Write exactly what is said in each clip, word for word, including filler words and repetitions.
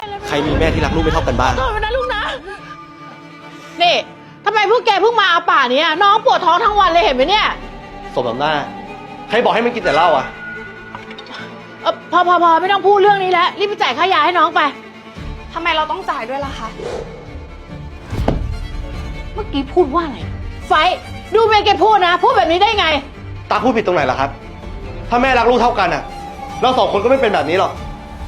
ใครมีแม่ที่รักลูกไม่เท่ากันบ้างโทษนะลูกนะนี่ทำไมพวกแกเพิ่งมาเอาป่านี้น้องปวดท้องทั้งวันเลยเห็นไหมเนี่ยสมน้ำหน้าใครบอกให้มันกินแต่เหล้าอ่ะเออพอพอพอไม่ต้องพูดเรื่องนี้แล้วรีบไปจ่ายค่ายาให้น้องไปทำไมเราต้องจ่ายด้วยล่ะคะเมื่อกี้พูดว่าอะไรไฟดูเมย์แกพูดนะพูดแบบนี้ได้ไงตาพูดผิดตรงไหนล่ะครับถ้าแม่รักลูกเท่ากันอ่ะเราสองคนก็ไม่เป็นแบบนี้หรอก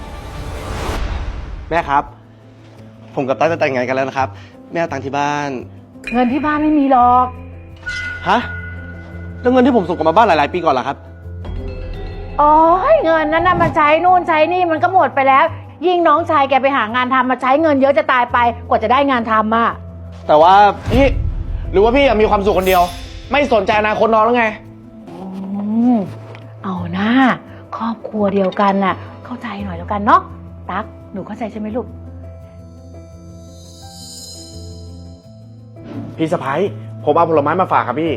แม่ครับผมกับตาจะแต่งงานกันแล้วนะครับแม่เอาตังค์ที่บ้านเงินที่บ้านไม่มีหรอกฮะแล้วเงินที่ผมส่งกลับมาบ้านหลายๆปีก่อนล่ะครับอ๋อเงินนั้นน่ะมาใช้นู่นใช้นี่มันก็หมดไปแล้วยิ่งน้องชายแกไปหางานทำมาใช้เงินเยอะจะตายไปกว่าจะได้งานทำอ่ะแต่ว่าพี่หรือว่าพี่มีความสุขคนเดียวไม่สนใจอนาคตน้องแล้วไงอืมเอาหน้าครอบครัวเดียวกันน่ะเข้าใจหน่อยแล้วกันเนาะตั๊กหนูเข้าใจใช่ไหมลูกพี่สะพ้ายผมเอาผลไม้มาฝากครับพี่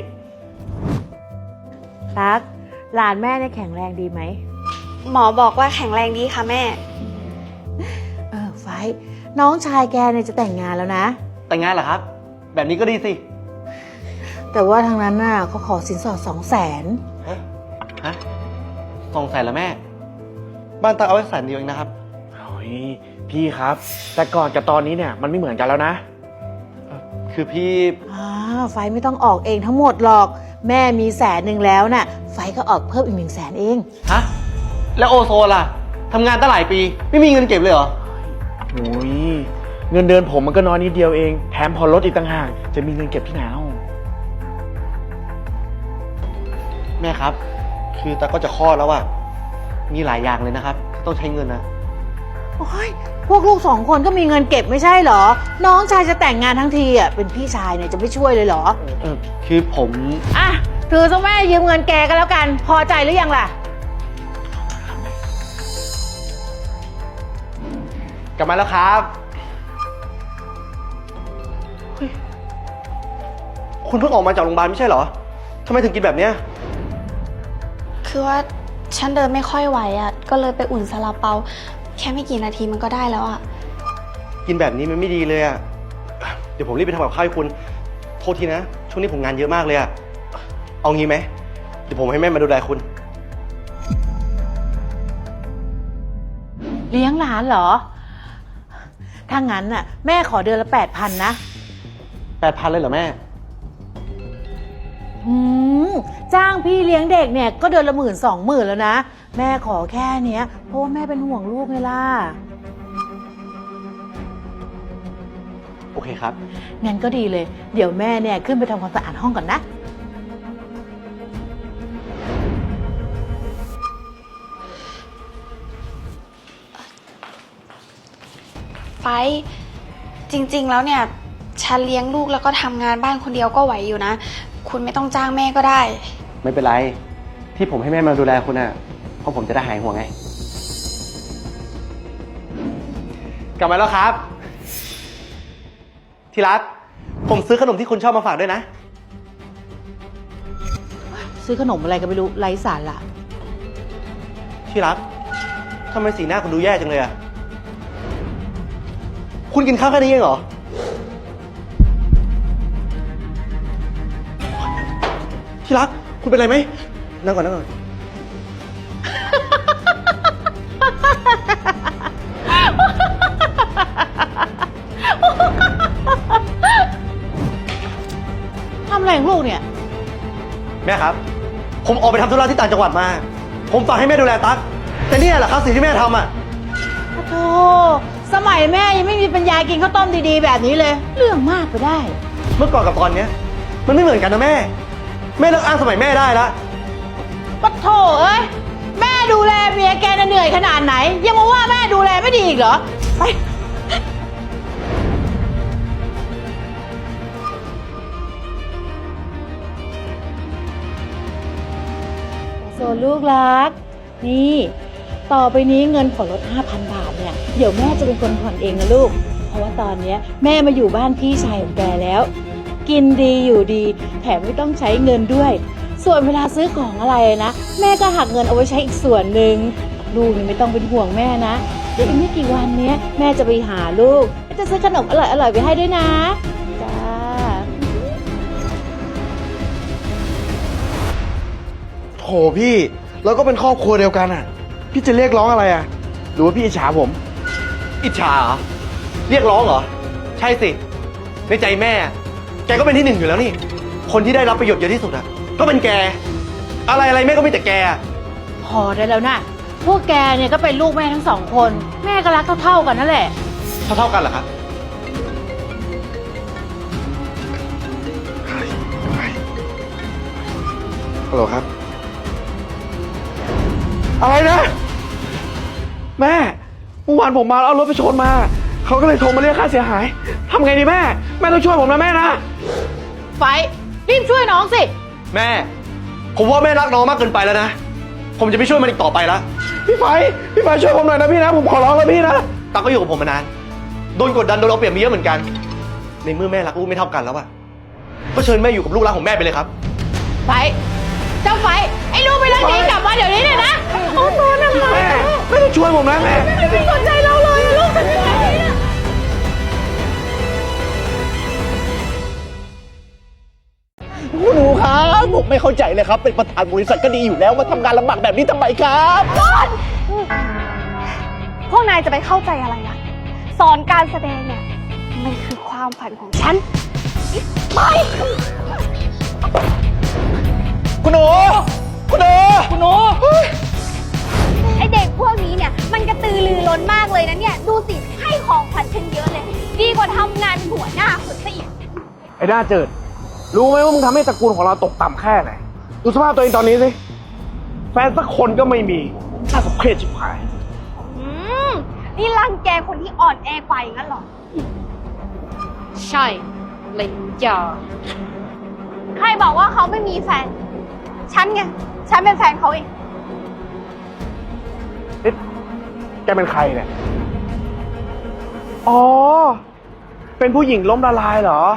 ตั๊กหลานแม่เนี่ยแข็งแรงดีไหมหมอบอกว่าแข็งแรงดีค่ะแม่เออไฟน้องชายแกเนี่ยจะแต่งงานแล้วนะแต่งงานเหรอครับแบบนี้ก็ดีสิแต่ว่าทางนั้นน่ะเขาขอสินสอดสองแสนฮะฮะสองแสนแล้วแม่บ้านตาเอาไว้แสนเดียวเองนะครับโอ้ยพี่ครับแต่ก่อนกับตอนนี้เนี่ยมันไม่เหมือนกันแล้วนะคือพี่อ่าไฟไม่ต้องออกเองทั้งหมดหรอกแม่มีแสนหนึ่งแล้วน่ะไฟก็ออกเพิ่มอีกหนึ่งแสนเองฮะแล้วโอโซล่ะทำงานตั้งหลายปีไม่มีเงินเก็บเลยเหรอโอ้ยเงินเดือนผมมันก็น้อยนิดเดียวเองแถมพอลดอีกต่างหากจะมีเงินเก็บที่ไหนเอาแม่ครับคือตาก็จะคลอดแล้วอะมีหลายอย่างเลยนะครับต้องใช้เงินนะโอ้ยพวกลูกสองคนก็มีเงินเก็บไม่ใช่เหรอน้องชายจะแต่งงานทั้งทีอ่ะเป็นพี่ชายเนี่ยจะไม่ช่วยเลยเหรอเออคือผมอ่ะถือซะแม่ยืมเงินแกก็แล้วกันพอใจหรือยังล่ะกลับมาแล้วครับคุณเพิ่งออกมาจากโรงพยาบาลไม่ใช่เหรอทำไมถึงกินแบบเนี้ยคือว่าฉันเดินไม่ค่อยไหวอ่ะก็เลยไปอุ่นซาลาเปาแค่ไม่กี่นาทีมันก็ได้แล้วอ่ะกินแบบนี้มันไม่ดีเลยอ่ะเดี๋ยวผมรีบไปทำกับข้าวให้คุณโทษทีนะช่วงนี้ผมงานเยอะมากเลยอ่ะเอางี้ไหมเดี๋ยวผมให้แม่มาดูแลคุณเลี้ยงหลานเหรอถ้างั้นน่ะแม่ขอเดือนละแปดพันนะแปดพันเลยเหรอแม่อืมจ้างพี่เลี้ยงเด็กเนี่ยก็เดือนละหมื่นสองหมื่นแล้วนะแม่ขอแค่เนี้ยเพราะว่าแม่เป็นห่วงลูกไงล่ะโอเคครับงั้นก็ดีเลยเดี๋ยวแม่เนี่ยขึ้นไปทำความสะอาดห้องก่อนนะไฟจริงๆแล้วเนี่ยฉันเลี้ยงลูกแล้วก็ทำงานบ้านคนเดียวก็ไหวอยู่นะคุณไม่ต้องจ้างแม่ก็ได้ไม่เป็นไรที่ผมให้แม่มาดูแลคุณน่ะเพราะผมจะได้หายห่วงไงกลับมาแล้วครับที่รักผมซื้อขนมที่คุณชอบมาฝากด้วยนะซื้อขนมอะไรก็ไม่รู้ไร้สาระที่รักทำไมสีหน้าคุณดูแย่จังเลยอะคุณกินข้าวแค่นี้เองเหรอที่รักคุณเป็นไรไหมนั่งก่อนนั่งก่อนทำอะไรของลูกเนี่ยแม่ครับผมออกไปทำธุระที่ต่างจังหวัดมาผมฝากให้แม่ดูแลตั๊กแต่นี่แหละครับสิ่งที่แม่ทำอ่ะโธ่สมัยแม่ยังไม่มีปัญญากินข้าวต้มดีๆแบบนี้เลยเรื่องมากไปได้เมื่อก่อนกับตอนนี้มันไม่เหมือนกันนะแม่แม่เลิกอ้างสมัยแม่ได้แล้วปะโถเอ้ยแม่ดูแลเมียแกน่ะเหนื่อยขนาดไหนยังมาว่าแม่ดูแลไม่ดีอีกเหรอไปโซลูกรักนี่ต่อไปนี้เงินผ่อนรถ ห้าพัน บาทเนี่ยเดี๋ยวแม่จะเป็นคนผ่อนเองนะลูกเพราะว่าตอนนี้แม่มาอยู่บ้านพี่ชายของแกแล้วกินดีอยู่ดีแถมไม่ต้องใช้เงินด้วยส่วนเวลาซื้อของอะไรนะแม่ก็หักเงินเอาไว้ใช้อีกส่วนหนึ่งลูกนี่ไม่ต้องเป็นห่วงแม่นะเดี๋ยวอีกไม่กี่วันเนี้ยแม่จะไปหาลูกจะซื้อขนมอร่อยๆไปให้ด้วยนะจ้าโถพี่เราก็เป็นครอบครัวเดียวกันอ่ะ พี่จะเรียกร้องอะไรอ่ะ หรือว่าพี่อิจฉาผมอิจฉาเหรอ เรียกร้องเหรอ ใช่สิ ในใจแม่ แกก็เป็นที่หนึ่งอยู่แล้วนี่ คนที่ได้รับประโยชน์เยอะที่สุดอะก็เป็นแก อะไรอะไรแม่ก็มีแต่แกอะพอได้แล้วนะพวกแกเนี่ยก็เป็นลูกแม่ทั้งสองคน แม่ก็รักเท่าๆกันนั่นแหละเท่าเท่ากันเหรอครับฮัลโหลครับ อะไรนะ แม่เมื่อวานผมมาแล้วเอารถไปชนมา เขาก็เลยโทรมาเรียกค่าเสียหายทำไงดีแม่ แม่ต้องช่วยผมนะแม่นะไฟรีบช่วยน้องสิแม่ ผมว่าแม่รักน้องมากเกินไปแล้วนะ ผมจะไม่ช่วยมันอีกต่อไปแล้วพี่ไฟพี่ไฟช่วยผมหน่อยนะพี่นะ ผมขอร้องแล้วพี่นะตั๊กก็อยู่กับผมมานาน โดนกดดันโดนเอาเปรียบมาเยอะเหมือนกัน ในเมื่อแม่รักลูกไม่เท่ากันแล้วอะก็เชิญแม่อยู่กับลูกรักของแม่ไปเลยครับไฟเจ้าไฟไอ้ลูกไปเรื่องนี้กลับมาเดี๋ยวนี้เลยนะโอ้โหนะไฟแม่แม่ต้องช่วยผมนะแม่ไม่สนใจเราเลยลูกทำยังไงเนี่ยคุณหนูครับผมไม่เข้าใจเลยครับ เป็นประธานบริษัทก็ดีอยู่แล้วมาทำงานลำบากแบบนี้ทำไมครับพวกนายจะไปเข้าใจอะไรล่ะ สอนการแสดงเนี่ย มันคือความฝันของฉัน ไปคุณหนูคุณหนูคุณหนูไอเด็กพวกนี้เนี่ย มันกระตือรือร้นมากเลยนะเนี่ย ดูสิ ให้ของขวัญฉันเยอะเลย ดีกว่าทำงานเป็นหัวหน้าคนซะอีกไอ้ด้าเจิด รู้ไหมว่ามึงทำให้ตระกูลของเราตกต่ำแค่ไหน ดูสภาพตัวเองตอนนี้สิ แฟนสักคนก็ไม่มีน่าสมเพชชิบหายอืม นี่รังแกคนที่อ่อนแอกว่าอย่างนั้นเหรอใช่เลยจ้าใครบอกว่าเขาไม่มีแฟน ฉันไง ฉันเป็นแฟนเขาเองเอ๊ะแกเป็นใครเนี่ย อ๋อ เป็นผู้หญิงล้มละลายเหรอ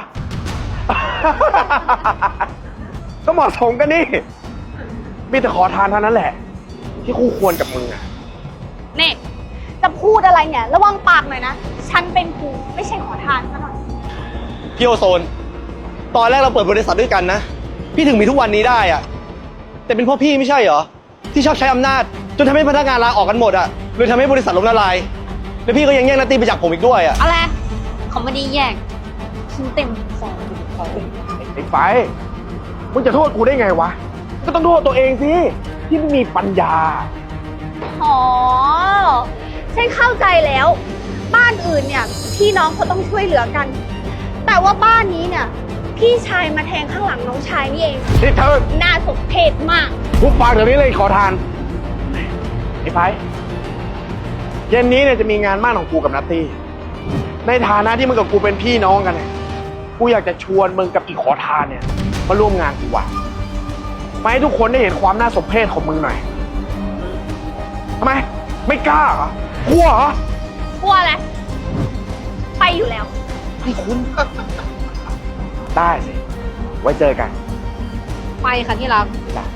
ก็เหมาะสมกันนี่ มีแต่ขอทานเท่านั้นแหละ ที่คู่ควรกับมึงอะนี่ จะพูดอะไรเนี่ย ระวังปากหน่อยนะ ฉันเป็นครูไม่ใช่ขอทานซะหน่อยพี่โอโซน ตอนแรกเราเปิดบริษัทด้วยกันนะ พี่ถึงมีทุกวันนี้ได้อะแต่เป็นเพราะพี่ไม่ใช่เหรอ ที่ชอบใช้อำนาจ จนทำให้พนักงานลาออกกันหมดอะเลยทำให้บริษัทล้มละลาย แล้วพี่ก็ยังแย่งนัตตี้ไปจากผมอีกด้วยอะอะไรเขาไม่ได้แยกฉันเต็มฟองไอ้ไฟ มึงจะโทษกูได้ไงวะ ก็ต้องโทษตัวเองสิ ที่ไม่มีปัญญาอ๋อ ฉันเข้าใจแล้ว บ้านอื่นเนี่ย พี่น้องเขาต้องช่วยเหลือกัน แต่ว่าบ้านนี้เนี่ย พี่ชายมาแทงข้างหลังน้องชายนี่เองนี่เธอน่าสมเพชมากทุกฟังเดี๋ยวนี้เลยขอทาน ไอ้ไฟ เย็นนี้เนี่ยจะมีงานมั่นของกูกับนัตตี้ ในฐานะที่มึงกับกูเป็นพี่น้องกันเนี่ย กูอยากจะชวนมึงกับอีกขอทานเนี่ยมาร่วมงานกูว่ะมาให้ทุกคนได้เห็นความน่าสมเพชของมึงหน่อยทำไม ไม่กล้าเหรอกลัวเหรอกลัวอะไร ไปอยู่แล้วให้คุณ ได้สิ ไว้เจอกันไปค่ะที่รัก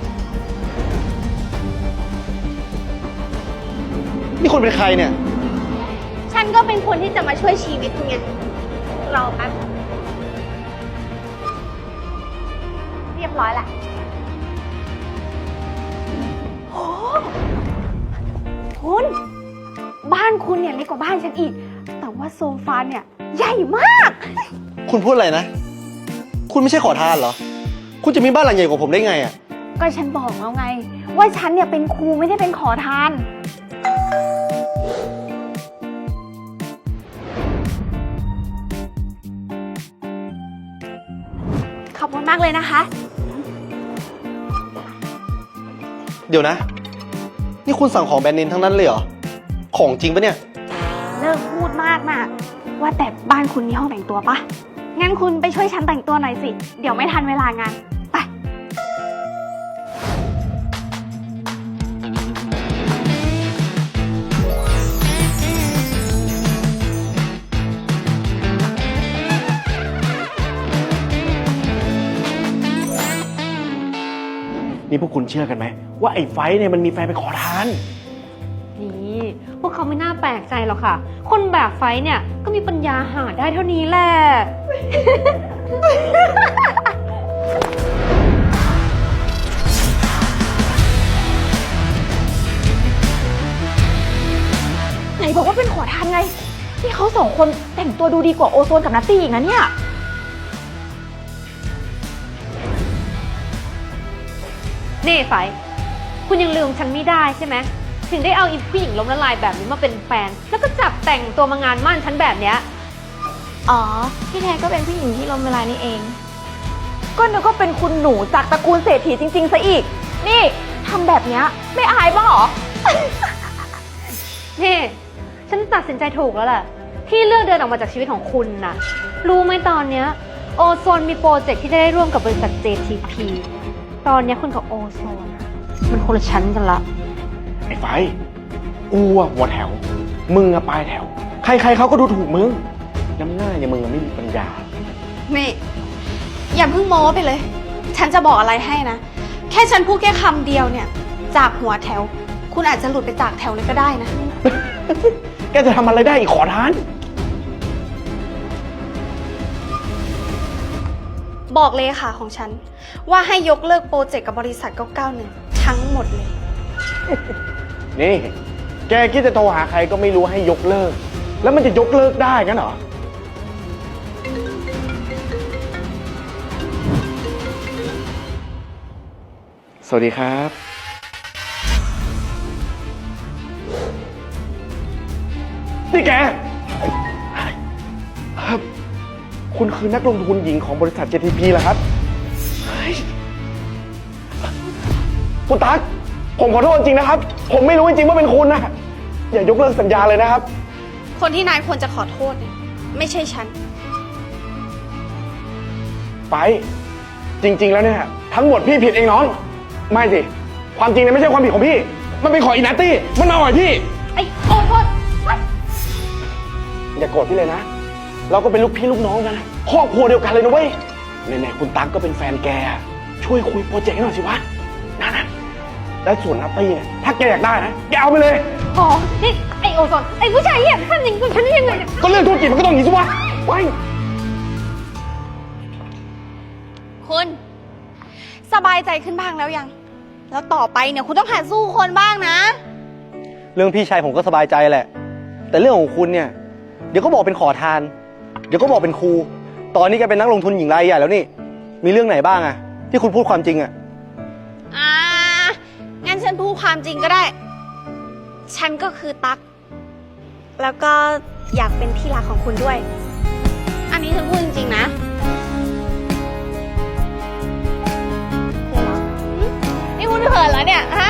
นี่คุณเป็นใครเนี่ยฉันก็เป็นคนที่จะมาช่วยชีวิตคุณไงรอแป๊บ เรียบร้อยละโอ้คุณ บ้านคุณเนี่ยเล็กกว่าบ้านฉันอีก แต่ว่าโซฟาเนี่ย ใหญ่มากคุณพูดอะไรนะ คุณไม่ใช่ขอทานเหรอ คุณจะมีบ้านหลังใหญ่กว่าผมได้ไงอะก็ฉันบอกแล้วไง ว่าฉันเนี่ยเป็นครูไม่ได้เป็นขอทาน ขอบคุณมากเลยนะคะเดี๋ยวนะ นี่คุณสั่งของแบรนด์เนมทั้งนั้นเลยเหรอ ของจริงปะเนี่ยเลิกพูดมากนะว่าแต่บ้านคุณมีห้องแต่งตัวปะงั้นคุณไปช่วยฉันแต่งตัวหน่อยสิ เดี๋ยวไม่ทันเวลางาน ไปนี่พวกคุณเชื่อกันไหมว่าไอ้ไฟเนี่ยมันมีแฟนเป็นขอทานนี่วกเขาไม่น่าแปลกใจหรอกค่ะ คนแบกไฟเนี่ยก็มีปัญญาหาได้เท่านี้แหละไหนบอกว่าเป็นขอทานไง นี่เขาสองคนแต่งตัวดูดีกว่าโอโซนกับนัตตี้อีกนะเนี่ยนี่ไฟ คุณยังลืมฉันไม่ได้ใช่ไหม ถึงได้เอาอีผู้หญิงล้มละลายแบบนี้มาเป็นแฟน แล้วก็จับแต่งตัวมางานมั่นฉันแบบเนี้ยอ๋อ พี่แท้ก็เป็นผู้หญิงที่ล้มละลายนี่เอง ก็นึกว่าเป็นคุณหนูจากตระกูลเศรษฐีจริงๆซะอีก นี่ทำแบบเนี้ยไม่อายบ้างเหรอนี่ฉันตัดสินใจถูกแล้วแหละที่เลือกเดินออกมาจากชีวิตของคุณน่ะ รู้ไหมตอนเนี้ยโอโซนมีโปรเจกต์ที่จะได้ร่วมกับบริษัท เจ ที พี ตอนเนี้ยคุณกับโอโซนอะมันคนละชั้นกันละไอ้ไฟกูอะหัวแถว มึงอะปลายแถว ใครๆเขาก็ดูถูกมึง น้ำหน้าอย่างมึงอะไม่มีปัญญานี่ อย่าเพิ่งโม้ไปเลย ฉันจะบอกอะไรให้นะ แค่ฉันพูดแค่คำเดียวเนี่ย จากหัวแถว คุณอาจจะหลุดไปจากแถวเลยก็ได้นะแกจะทำอะไรได้อีกขอทานบอกเลขาของฉัน ว่าให้ยกเลิกโปรเจกต์กับบริษัทเก้าเก้าหนึ่งทั้งหมดเลยนี่ แกคิดจะโทรหาใครก็ไม่รู้ให้ยกเลิก แล้วมันจะยกเลิกได้งั้นเหรอ สวัสดีครับ นี่แกครับคุณคือนักลงทุนหญิงของบริษัท เจ ที พี เหรอครับเฮ้ยคุณตั๊กผมขอโทษจริงนะครับ ผมไม่รู้จริงๆว่าเป็นคุณนะอย่ายกเลิกสัญญาเลยนะครับคนที่นายควรจะขอโทษเนี่ยไม่ใช่ฉันไป จริง ๆ แล้วเนี่ยทั้งหมดพี่ผิดเองน้อง ไม่สิ ความจริงเนี่ยไม่ใช่ความผิดของพี่ มันเป็นของอีนัตตี้ มันมาอ่อยพี่ไอ้โอโซนอย่าโกรธพี่เลยนะ เราก็เป็นลูกพี่ลูกน้องกันนะครอบครัวเดียวกันเลยนะเว้ยไหนๆคุณตั๊กก็เป็นแฟนแก ช่วยคุยโปรเจกต์ให้หน่อยสิวะนะนะและส่วนนัตตี้เนี่ยถ้าแกอยากได้นะ แกเอาไปเลยอ๋อนี่ไอ้โอโซน ไอ้ผู้ชายเหี้ยทำอย่างนี้กับฉันได้ยังไงเนี่ยก็เรื่องธุรกิจมันก็ต้องอย่างนี้สิวะไปคุณ สบายใจขึ้นบ้างแล้วยัง แล้วต่อไปเนี่ยคุณต้องหัดสู้คนบ้างนะเรื่องพี่ชายผมก็สบายใจแหละ แต่เรื่องของคุณเนี่ย เดี๋ยวก็บอกเป็นขอทาน เดี๋ยวก็บอกเป็นครู ตอนนี้แกเป็นนักลงทุนหญิงรายใหญ่แล้วนี่ มีเรื่องไหนบ้างอะที่คุณพูดความจริงอะอ่า งั้นฉันพูดความจริงก็ได้ ฉันก็คือตั๊ก แล้วก็อยากเป็นที่รักของคุณด้วย อันนี้ฉันพูดจริงๆนะเขินเหรอนี่คุณเขินแล้วเนี่ย ฮะ